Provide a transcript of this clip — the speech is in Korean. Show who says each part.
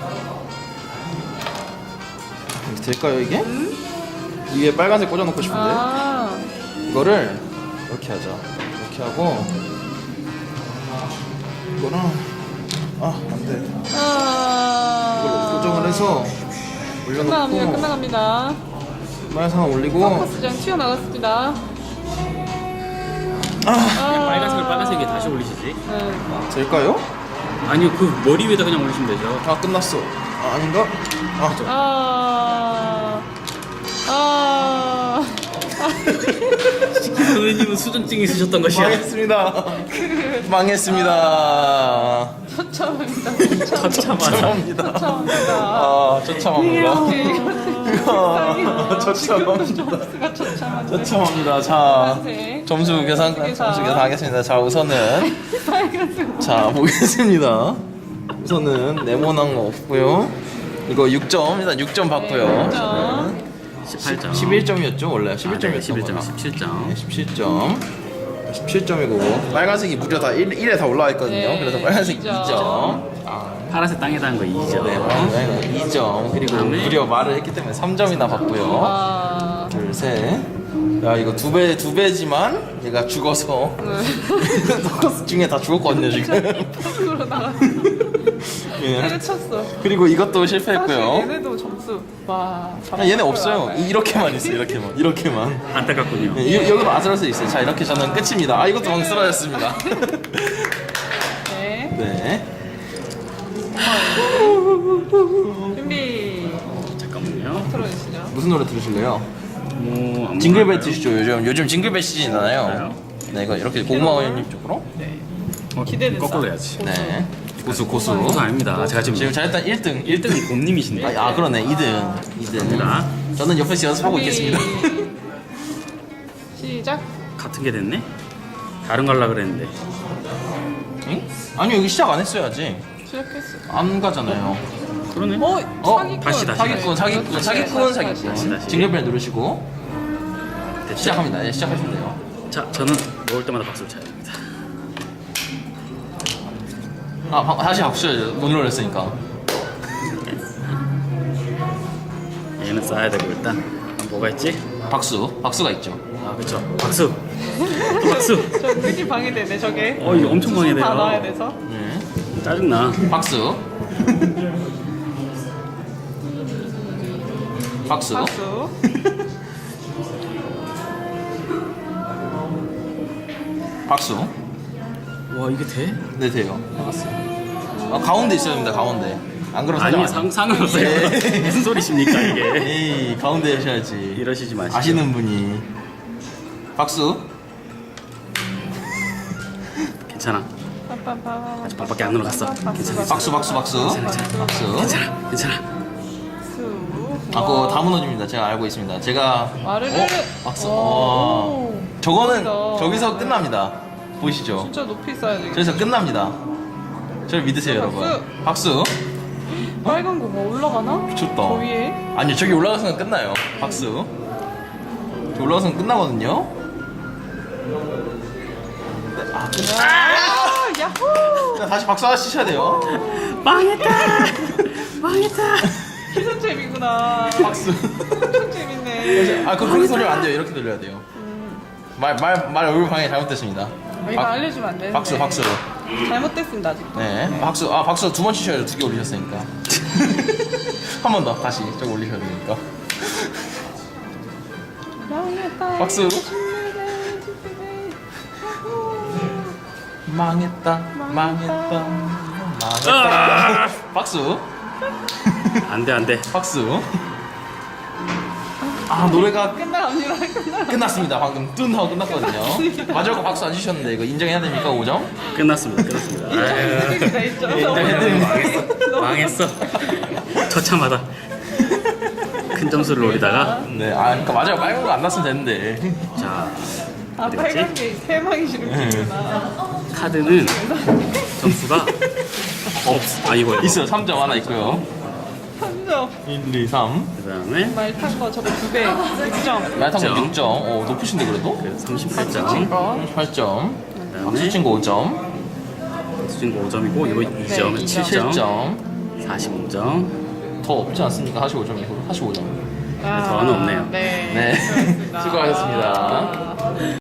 Speaker 1: 이렇게 될까요 이게? 위에 빨간색 꽂아놓고 싶은데 이거를 이렇게 하자. 이렇게 하고 이거는 안돼. 이걸로 고정을 해서 올려놓고
Speaker 2: 끝나갑니다.
Speaker 1: 빨간색 올리고
Speaker 2: 서커스장 튀어나갔습니다.
Speaker 3: 빨간색에 다시 올리시지?
Speaker 1: 될까요?
Speaker 3: 아니요, 그 머리 위에다 그냥 올리시면 되죠.
Speaker 1: 끝났어. 아닌가?
Speaker 3: 선생님은 수전증 있으셨던 것이야.
Speaker 1: 망했습니다.
Speaker 2: 처참합니다.
Speaker 1: 처참합니다. 처참합니다. 처참합니다. 자, 점수 계산하겠습니다. 자, 우선은 자, 보겠습니다. 우선은 네모난 거 없고요. 이거 6점, 일단 6점 받고요.
Speaker 3: 18점.
Speaker 1: 11점이었죠, 원래. 11점이었죠.
Speaker 3: 11점, 17점.
Speaker 1: 17점. 17점이고 빨간색이 무려 다 1에 다 올라와 있거든요. 그래서 빨간색 2점.
Speaker 3: 파란색 땅에다 한 거 2점.
Speaker 1: 네, 2점. 그리고 무려 말을 했기 때문에 3점이나 받고요. 둘, 셋. 야, 이거 두 배지만 얘가 죽어서 서커스 중에 다 죽었거든요, 지금.
Speaker 2: 으로 나갔어. 때려쳤어.
Speaker 1: 그리고 이것도 실패했고요.
Speaker 2: 사실 얘네도 점수.
Speaker 1: 얘네 없어요. 이렇게만 있어요, 이렇게만.
Speaker 3: 안타깝군요.
Speaker 1: 여기도 아슬아슬 있어요. 자, 이렇게 저는 끝입니다. 이것도 방 쓰러졌습니다. 네.
Speaker 2: 준비.
Speaker 3: 잠깐만요.
Speaker 2: 틀어주시죠.
Speaker 1: 무슨 노래 들으실래요?
Speaker 3: 뭐
Speaker 1: 징글벨 드시죠. 요즘 징글벨 시즌이잖아요. 네, 이거 이렇게 고마워요님 쪽으로.
Speaker 2: 기대된다.
Speaker 3: 거꾸로 해야지.
Speaker 1: 네. 고수.
Speaker 3: 고수 아닙니다. 제가 지금
Speaker 1: 자, 일단 1등.
Speaker 3: 1등은 곰님이신데.
Speaker 1: 그러네. 2등.
Speaker 3: 갑니다.
Speaker 1: 저는 옆에서 연습하고
Speaker 2: 준비.
Speaker 1: 있겠습니다.
Speaker 2: 시작.
Speaker 3: 같은 게 됐네? 다른 거 하려고 그랬는데.
Speaker 1: 응? 아니요, 여기 시작 안 했어야지.
Speaker 2: 시작했어.
Speaker 1: 안 가잖아요.
Speaker 3: 그러네.
Speaker 2: 사기꾼.
Speaker 3: 다시.
Speaker 1: 사기꾼. 징글벨 누르시고 시작합니다. 네, 시작하시면 돼요.
Speaker 3: 자, 저는 먹을 때마다 박수를 쳐야 됩니다.
Speaker 1: 다시 박수 쳐야죠. 못 눌렀으니까.
Speaker 3: 얘는 쌓아야 되고 일단 뭐가 있지?
Speaker 1: 박수가 있죠.
Speaker 3: 그쵸. 박수. 박수.
Speaker 2: 저 끈이 방해되네 저게.
Speaker 3: 이거 엄청 방해돼요.
Speaker 2: 다 넣어야 돼서.
Speaker 1: 네.
Speaker 3: 짜증나.
Speaker 1: 박수.
Speaker 2: 박수.
Speaker 1: 박수.
Speaker 3: 와, 이게 돼?
Speaker 1: 네, 돼요. 가운데 있어야 됩니다. 가운데. 안 그러면
Speaker 3: 아니,
Speaker 1: 사정 안
Speaker 3: 상관없어요.
Speaker 1: 네.
Speaker 3: 무슨 소리십니까 이게?
Speaker 1: 에이, 가운데 하셔야지.
Speaker 3: 이러시지 마시고.
Speaker 1: 아시는 분이. 박수.
Speaker 3: 괜찮아. 아직 밥밖에 안 늘어갔어. 괜찮아.
Speaker 1: 박수.
Speaker 3: 괜찮아.
Speaker 1: 그거 다 무너집니다. 제가 알고 있습니다. 제가
Speaker 2: 와르르.
Speaker 1: 박수.
Speaker 2: 오.
Speaker 1: 저거는
Speaker 2: 멋있다.
Speaker 1: 저기서 끝납니다. 보이시죠?
Speaker 2: 진짜 높이 써야 되겠다.
Speaker 1: 저기서 끝납니다. 저를 믿으세요, 여러분. 박수.
Speaker 2: 빨간 거 뭐 올라가나?
Speaker 1: 미쳤다.
Speaker 2: 저 위에.
Speaker 1: 아니요, 저기 올라가서는 끝나요. 박수. 저 올라가서는 끝나거든요.
Speaker 2: 야호!
Speaker 1: 다시 박수 하나 치셔야 돼요.
Speaker 3: 망했다.
Speaker 2: 기선잼이구나.
Speaker 1: 박수.
Speaker 2: 엄청 재밌네.
Speaker 1: 그렇게 돌리면 안 돼요. 이렇게 돌려야 돼요. 말 얼굴 방해 잘못됐습니다.
Speaker 2: 이거 알려주면 안 되는데.
Speaker 1: 박수.
Speaker 2: 잘못됐습니다 아직도.
Speaker 1: 네. 박수 2번 치셔야 돼요. 2개 올리셨으니까. 한 번 더. 다시 저거 올리셔야 되니까. 박수. 망했다. 박수.
Speaker 3: 안 돼.
Speaker 1: 박수. 노래가
Speaker 2: 끝나갑니다.
Speaker 1: 끝났습니다. 방금 뚠 하고 끝났거든요. 마지막 거 박수 안 주셨는데 이거 인정해야 됩니까, 5점?
Speaker 3: 끝났습니다.
Speaker 2: 다 있죠.
Speaker 3: 망했어. 처참하다. 큰 점수를 노리다가
Speaker 1: 네, 그러니까 마지막 빨간 거 안 났으면 되는데.
Speaker 3: 자,
Speaker 2: 빨간 게 세방이 싫은구나.
Speaker 3: 카드는 점수가 이거
Speaker 1: 있어요. 3점 하나 있고요.
Speaker 2: 3점.
Speaker 1: 1, 2, 3.
Speaker 3: 그다음에
Speaker 2: 말 탄 거 저거 2배. 6점.
Speaker 1: 말탄 거 6점. 높으신데 그래도?
Speaker 3: 38점.
Speaker 1: 8점. 박수
Speaker 3: 그다음에
Speaker 1: 친구 5점.
Speaker 3: 수진 거 5점이고 이거 2점,
Speaker 2: 네,
Speaker 3: 7점.
Speaker 1: 7점.
Speaker 3: 45점.
Speaker 1: 더 없지 않습니까? 45점 이후로 45점.
Speaker 3: 더는 없네요.
Speaker 2: 네.
Speaker 1: 네.
Speaker 2: 수고하셨습니다.
Speaker 1: 수고하셨습니다.